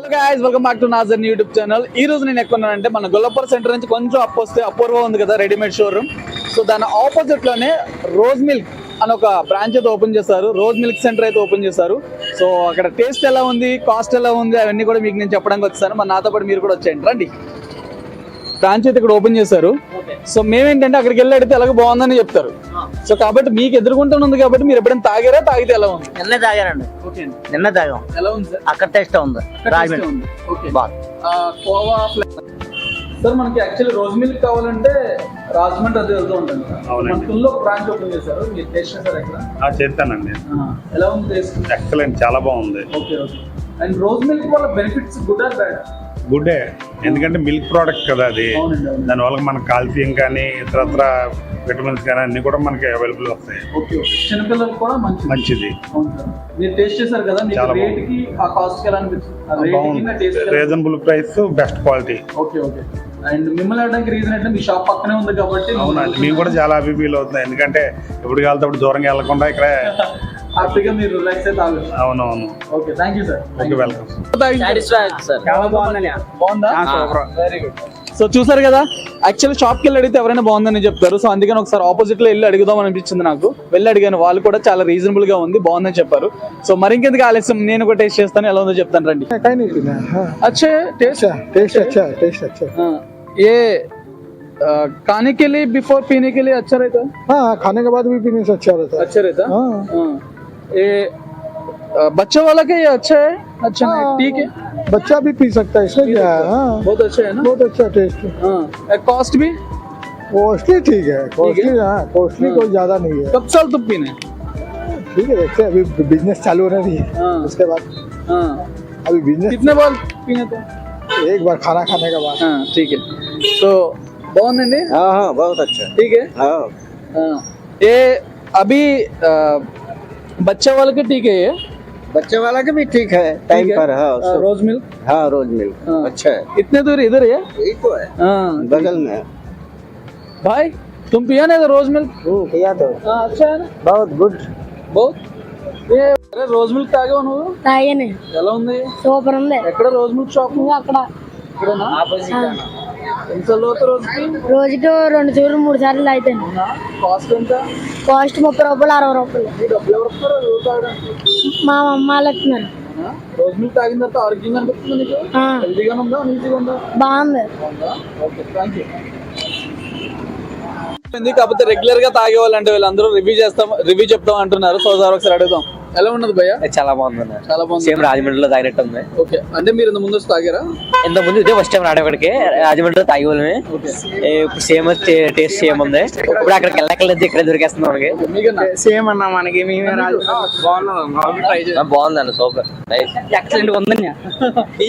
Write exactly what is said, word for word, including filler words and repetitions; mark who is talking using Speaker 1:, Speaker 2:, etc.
Speaker 1: guys, welcome back to Nazar YouTube channel. ఈ రోజు నేను ఎక్కడున్నానంటే మన గొల్లపూర్ సెంటర్ నుంచి కొంచెం అప్ వస్తే అపూర్వ ఉంది కదా రెడీమేడ్ షోరూమ్. సో దాని ఆపోజిట్ లోనే రోజ్ మిల్క్ అని ఒక బ్రాంచ్ అయితే ఓపెన్ చేశారు. రోజ్ మిల్క్ సెంటర్ అయితే ఓపెన్ చేశారు. సో అక్కడ టేస్ట్ ఎలా ఉంది, కాస్ట్ ఎలా ఉంది అవన్నీ కూడా మీకు నేను చెప్పడానికి వచ్చాను. మరి నాతో పాటు మీరు కూడా వచ్చేయండి రండి. బ్రాంచ్ అయితే ఇక్కడ ఓపెన్ చేశారు. సో మేమేంటంటే అక్కడికి వెళ్ళి అడిగితే ఎలాగో బాగుందని చెప్తారు. సో కాబట్టి మీకు ఎదుర్కొంటూ ఉంది కాబట్టి మీరు ఎప్పుడైనా తాగారా, తాగితే ఎలా ఉంది?
Speaker 2: నిన్న తాగారండి. నిన్న తాగాం.
Speaker 1: ఎలా ఉంది సార్?
Speaker 2: అక్కడ టేస్ట్ ఉంది.
Speaker 1: సార్ మనకి యాక్చువల్లీ రోజ్ మిల్క్ కావాలంటే రాజమండ్రి అది వెళ్తూ ఉంటుంది. మనలో బ్రాంచ్ ఓపెన్ చేశారు. మీరు టేస్ట్ చేశారు ఎక్కడ?
Speaker 3: చేస్తానండి.
Speaker 1: ఎలా ఉంది టేస్ట్?
Speaker 3: ఎక్సలెంట్, చాలా బాగుంది.
Speaker 1: Okay okay. And rose milk వల్ల బెనిఫిట్స్ గుడ్ ఆర్ బ్యాడ్?
Speaker 3: గుడ్డే, ఎందుకంటే మిల్క్ ప్రోడక్ట్ కదా అది. దానివల్ల మనకు కాల్షియం కానీ ఇతరత్ర విటమిన్స్ కానీ అన్ని కూడా మనకి అవైలబుల్ వస్తాయి.
Speaker 1: చిన్నపిల్లలకు కూడా మంచిది. మీరు టేస్ట్ చేశారు కదా,
Speaker 3: చాలా
Speaker 1: రేట్ కి ఆ కాస్ట్ ఎలా అనిపిస్తుంది?
Speaker 3: Reasonable price, best quality.
Speaker 1: Okay okay. And మిమ్మల్ని అడగడానికి రీజన్ అంటే మీ షాప్ పక్కనే ఉంది కాబట్టి.
Speaker 3: అవునండి, మేము కూడా చాలా హ్యాపీ ఫీల్ అవుతుంది. ఎందుకంటే ఎప్పుడు కాలితే అప్పుడు దూరంగా వెళ్ళకుండా ఇక్కడ
Speaker 1: హ్యాపీగా మీరు రిలాక్స్ అయితే తాగొచ్చు.
Speaker 3: అవునవును.
Speaker 1: Okay, thank you sir.
Speaker 3: Okay, welcome.
Speaker 1: చాలా బాగుంది. బాగుందా? Very good. సో చూసారు కదా, యాక్చువల్లీ షాప్కి వెళ్ళి అడిగితే ఎవరైనా బాగుందని చెప్తారు. సో అందుకని ఒకసారి ఆపోజిట్ లో వెళ్ళి అడుగుదాం అనిపించింది నాకు. వెళ్ళి అడిగాను, వాళ్ళు కూడా చాలా రీజనబుల్ గా ఉంది, బాగుందని చెప్పారు. సో మరి ఇంకెందుకు ఆలస్యం, నేను కూడా టేస్ట్ చేస్తాను, ఎలా ఉందో చెప్తాను రండి. అచ్చా టేస్ట్
Speaker 4: टेस्ट अच्छा है, टेस्ट अच्छा है।
Speaker 1: ये खाने के लिए बिफोर पीने के लिए अच्छा रहता है?
Speaker 4: हाँ, खाने के बाद भी पीने से अच्छा रहता है।
Speaker 1: अच्छा रहता है।
Speaker 4: हाँ।
Speaker 1: हाँ। ये बच्चा वाला का ये अच्छा है? अच्छा नहीं, ठीक है,
Speaker 4: बच्चा भी पी सकता है, इसमें क्या है। हाँ,
Speaker 1: बहुत अच्छा है ना,
Speaker 4: बहुत अच्छा टेस्ट है।
Speaker 1: हाँ। कॉस्ट भी
Speaker 4: कॉस्टली ठीक है, कॉस्टली हाँ, कॉस्टली कोई ज्यादा नहीं है।
Speaker 1: कब साल तुम पीने?
Speaker 4: ठीक है, देखते हैं, अभी बिजनेस चालू होना नहीं है।
Speaker 1: हाँ।
Speaker 4: उसके बाद
Speaker 1: हाँ,
Speaker 4: अभी बिजनेस
Speaker 1: कितने बार पीने थे?
Speaker 4: एक बार खाना खाने के बाद।
Speaker 1: हाँ ठीक है. तो బాగుందండి.
Speaker 2: हाँ हाँ बहुत अच्छा।
Speaker 1: ठीक है.
Speaker 2: हाँ
Speaker 1: हाँ. ये अभी आ, बच्चा वाला के ठीक है, ये
Speaker 2: बच्चे वाला के भी ठीक है टाइम पर। हाँ
Speaker 1: रोज मिल्क.
Speaker 2: हाँ रोज मिल्क अच्छा है।
Speaker 1: इतने दूर इधर है?
Speaker 2: यही तो है,
Speaker 1: हाँ
Speaker 2: बगल में है।
Speaker 1: भाई तुम पिया ना रोज मिल्क?
Speaker 2: पिया तो
Speaker 1: हाँ, अच्छा है ना,
Speaker 2: बहुत गुड।
Speaker 1: बहुत. ఏ అరే రోజ్ మిల్క్ తాగావు నువ్వు?
Speaker 5: తాగాను.
Speaker 1: ఎలా ఉంది?
Speaker 5: సూపర్ ఉంది.
Speaker 1: ఎక్కడ రోజ్ మిల్క్ షాప్?
Speaker 5: అక్కడ
Speaker 1: ఇక్కడనా? ఎన్నిసార్లు అవుతా రోజుకి?
Speaker 5: రోజుకి రెండు సార్లు మూడు సార్లు తాగుతాను.
Speaker 1: కాస్ట్ ఎంత?
Speaker 5: కాస్ట్ ముప్పై రూపాయలు అరవై రూపాయలు.
Speaker 1: ఈ డబ్బులు ఎవరు ఇస్తారు రోజు తాగడానికి?
Speaker 5: మా అమ్మ వాళ్ళు ఇస్తున్నారు.
Speaker 1: రోజ్ మిల్క్ తాగిన తర్వాత ఆరోగ్యంగా అనిపిస్తుంది నీకు? హెల్తీగా ఉందా, నీట్గా ఉందా?
Speaker 5: బాగుంది.
Speaker 1: Okay, thank you. కాకపోతే రెగ్యులర్ గా తాగే వాళ్ళంటే వీళ్ళందరూ రివ్యూ చేస్తాం, రివ్యూ చెప్తాం అంటున్నారు. సో సార్ ఒకసారి అడుగుదాం, ఎలా ఉన్నది భయ్య?
Speaker 2: చాలా బాగుంది,
Speaker 1: చాలా బాగుంది.
Speaker 2: సేమ్ రాజమండ్రిలో తాగినట్టు ఉంది.
Speaker 1: ఓకే, అంటే మీరు ఇంత ముందు వచ్చి తాగారా?
Speaker 2: ఇంత ముందు ఇదే ఫస్ట్ టైం రావడానికి రాజమండ్రిలో తాగే వాళ్ళమే. ఇప్పుడు సేమ్ టేస్ట్ సేమ్ ఉంది. ఇప్పుడు అక్కడికి వెళ్ళక్కర్లేదు, ఇక్కడ దొరికేస్తుంది మనకి.
Speaker 1: సేమ్ అన్నా మనకి. మేమే
Speaker 2: బాగుందండి, సూపర్ ఎక్సలెంట్ ఉందండి.